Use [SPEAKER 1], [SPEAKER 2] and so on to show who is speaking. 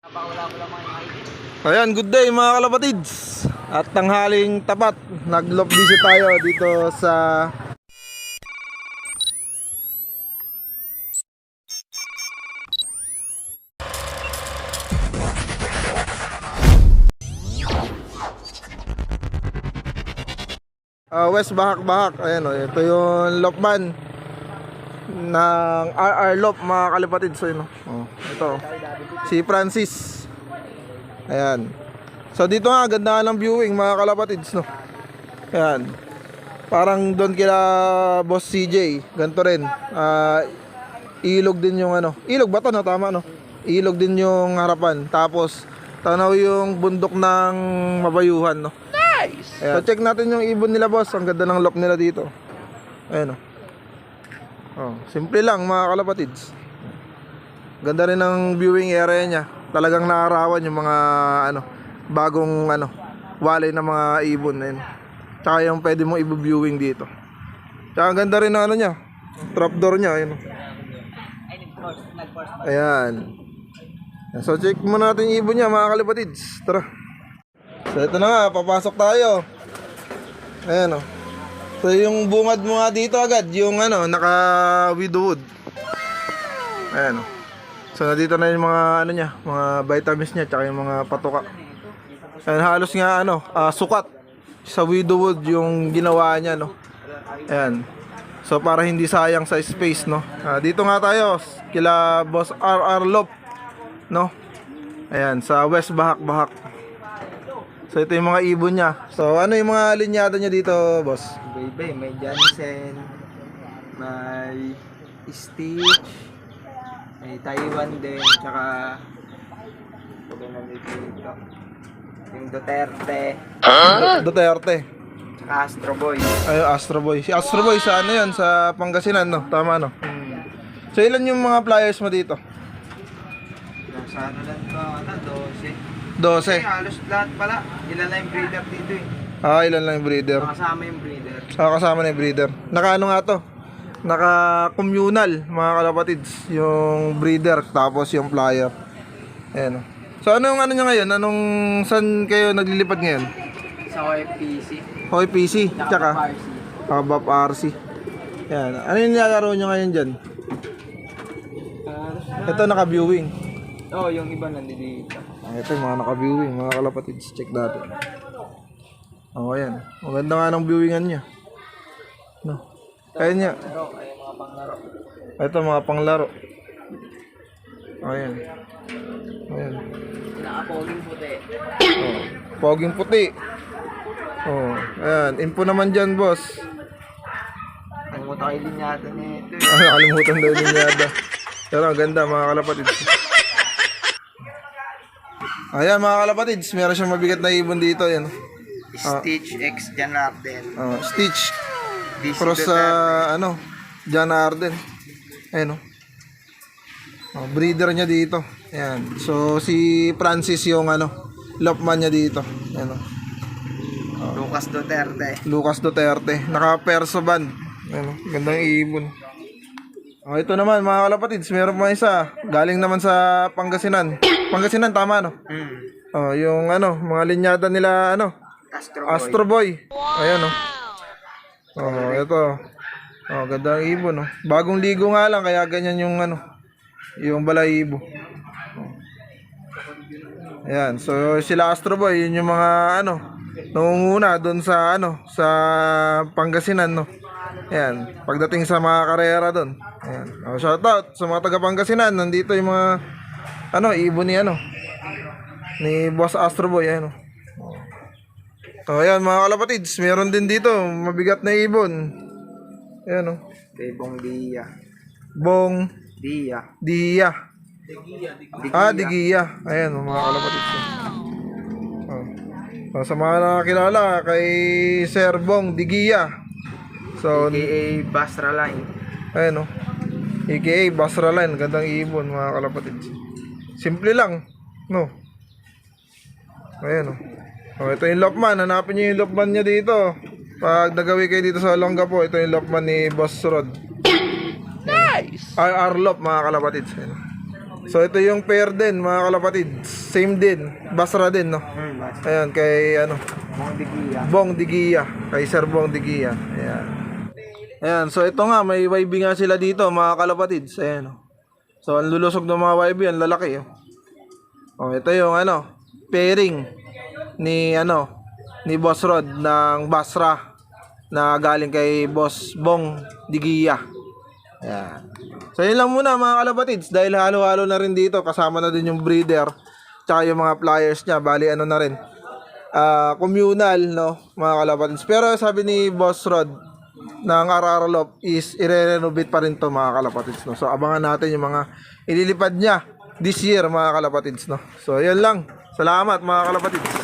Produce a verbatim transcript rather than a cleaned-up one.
[SPEAKER 1] Ayan, good day mga kalapatids. At tanghaling tapat, nag-lop visit tayo dito sa uh, West Bahak-Bahak. Ayan o, ito yung lopman ng R R Lop mga kalapatids. So, yun, oh, ito si Francis. Ayan. So dito nga, ganda nga ng viewing mga kalapatids, no? Ayan. Parang doon kila Boss C J, ganito rin. uh, Ilog din yung ano. Ilog ba to, no? Tama, no? Ilog din yung harapan. Tapos tanaw yung bundok ng Mabayuhan, no? Nice! Ayan. So check natin yung ibon nila, boss. Ang ganda ng lop nila dito. Ayan, no? Oh, simple lang mga kalapatids. Ganda rin ng viewing area niya. Talagang naarawan yung mga ano, bagong ano, walay ng mga ibon na yun. Tsaka yung pwede mong i-viewing dito. Tsaka ang ganda rin ng ano niya, trapdoor niya. Ayun. Ayan. So check muna natin yung ibon niya mga kalapatids. Tara. So ito na nga, papasok tayo. Ayan o. So yung bungad mo nga dito agad, yung ano, naka widowwood. Ayan o. So nandito na yung mga ano niya, mga vitamins niya, tsaka yung mga patuka. Ayan, halos nga ano, uh, sukat sa widowwood yung ginawa niya, no. Ayan. So para hindi sayang sa space, no. Uh, dito nga tayo kila Boss R R Lop, no. Ayan, sa West Bahak-Bahak. So ito yung mga ibon niya. So ano yung mga linyada niya dito, boss?
[SPEAKER 2] Baby, may Jansen, may Stitch, may Taiwan din, tsaka pwede na dito yung Duterte,
[SPEAKER 1] Huh? Duterte.
[SPEAKER 2] tsaka Astro Boy.
[SPEAKER 1] Ay, Astro Boy. Si Astro Boy sa ano yan? Sa Pangasinan, no? Tama, no?
[SPEAKER 2] Hmm.
[SPEAKER 1] So ilan yung mga flyers mo dito?
[SPEAKER 2] Nasa ano lang ba, ano, twelve.
[SPEAKER 1] twelve.
[SPEAKER 2] Kasi halos lahat pala, ilan na yung breeder dito eh.
[SPEAKER 1] Ah, ilan lang yung breeder?
[SPEAKER 2] Makasama yung breeder.
[SPEAKER 1] Ah, kasama na yung breeder. Naka ano nga to? Naka communal, mga kalapatids. Yung breeder, tapos yung flyer. Ayan, no? So ano yung ano nyo ngayon? Anong, saan kayo naglilipad ngayon?
[SPEAKER 2] Sa O F P C.
[SPEAKER 1] Hoy P C, tsaka
[SPEAKER 2] R C.
[SPEAKER 1] Habap R C. Yan. Ano yung nilalaro nyo ngayon dyan? Ito naka-viewing.
[SPEAKER 2] Oo, oh, yung iba nandito.
[SPEAKER 1] Ah, ito yung mga naka-viewing, mga kalapatids. Check natin. Oo, oh, yan. Maganda nga ng viewingan niya. No. Kaya niya.
[SPEAKER 2] Pero ay mga panglaro.
[SPEAKER 1] Ito mga panglaro. Oh, yan. Ayan.
[SPEAKER 2] Naka-poging puti.
[SPEAKER 1] Oh, poging puti. Oh, ayan. Info naman dyan, boss.
[SPEAKER 2] Nangmuta kayo din yata nito.
[SPEAKER 1] Ah, nakalimutan daw din yada. Pero ang ganda mga kalapatids. Ayan mga kalapatids, meron siyang mabigat na ibon dito. Ayan.
[SPEAKER 2] Stitch X Janarden.
[SPEAKER 1] Oh, Stitch.
[SPEAKER 2] D C
[SPEAKER 1] Cross sa
[SPEAKER 2] Duterte.
[SPEAKER 1] ano, John Arden. Ayan o. Oh, breeder niya dito. Ayan. So si Francis yung ano, lopman niya dito. Ayan o. Oh.
[SPEAKER 2] Lucas Duterte.
[SPEAKER 1] Lucas Duterte. Naka-perso band. Ayan o. Gandang ibon. Oh, ito naman mga kalapatids, meron pa isa. Galing naman sa Pangasinan. Pangasinan, tama no?
[SPEAKER 2] Mm.
[SPEAKER 1] Oh, yung ano, mga linyada nila ano,
[SPEAKER 2] Astro Boy.
[SPEAKER 1] Astro Boy. Ayan oh. Oh, ito. Oh, ganda ng ibon no. Bagong ligo nga lang kaya ganyan yung ano, yung balahibo. Oh. Ayan, so sila Astro Boy, yun yung mga ano, nangunguna doon sa ano, sa Pangasinan no. Ayan, pagdating sa mga karera doon. Ayan. Oh, shout out sa mga taga Pangasinan. Nandito yung mga ano, ibon ni ano, ni Boss Astro Boy, ayan oh. So ayan mga kalapatids, meron din dito mabigat na ibon. Ayan oh.
[SPEAKER 2] Kay Bong Dia.
[SPEAKER 1] Bong
[SPEAKER 2] Dia.
[SPEAKER 1] Dia.
[SPEAKER 2] Digia.
[SPEAKER 1] Ah, Digia. Ayan oh, mga kalapatids. Oh. So, sa mga nakakilala kay Sir Bong Digia. So,
[SPEAKER 2] A K A Basra Line.
[SPEAKER 1] ayan oh. A K A Basra Line, gandang ibon mga kalapatids. Simple lang, no? Ayan oh. Oh, ito yung lopman. Hanapin niyo yung lopman niya dito. Pag nagawi kayo dito sa Olonga po, ito yung lopman ni Boss Rod. Nice! R R Lop mga kalapatids. Ayan. So ito yung pair din mga kalapatid. Same din, Basra din, no.
[SPEAKER 2] Hmm, basta.
[SPEAKER 1] Ayan, kay ano,
[SPEAKER 2] Mga bigiya.
[SPEAKER 1] Bong Digia, kay Sir Bong Digia. Ayan. Ayan, so ito nga, may Y B nga sila dito, mga kalapatids. Ayan. Oh. So, ang lulusog ng mga Y B, ang lalaki. Oh. Oh, ito yung ano, pairing ni ano, ni Boss Rod ng Basra na galing kay Boss Bong Digia. Ayan. So, yun lang muna mga kalapatids, dahil halo-halo na rin dito, kasama na din yung breeder, tsaka yung mga pliers niya, bali ano na rin. Uh, communal, no, mga kalapatids. Pero sabi ni Boss Rod ng Araralop is i-renovate pa rin to mga kalapatids, no. So abangan natin yung mga ililipad niya this year mga kalapatids, no. So yun lang. Salamat mga kalapatids.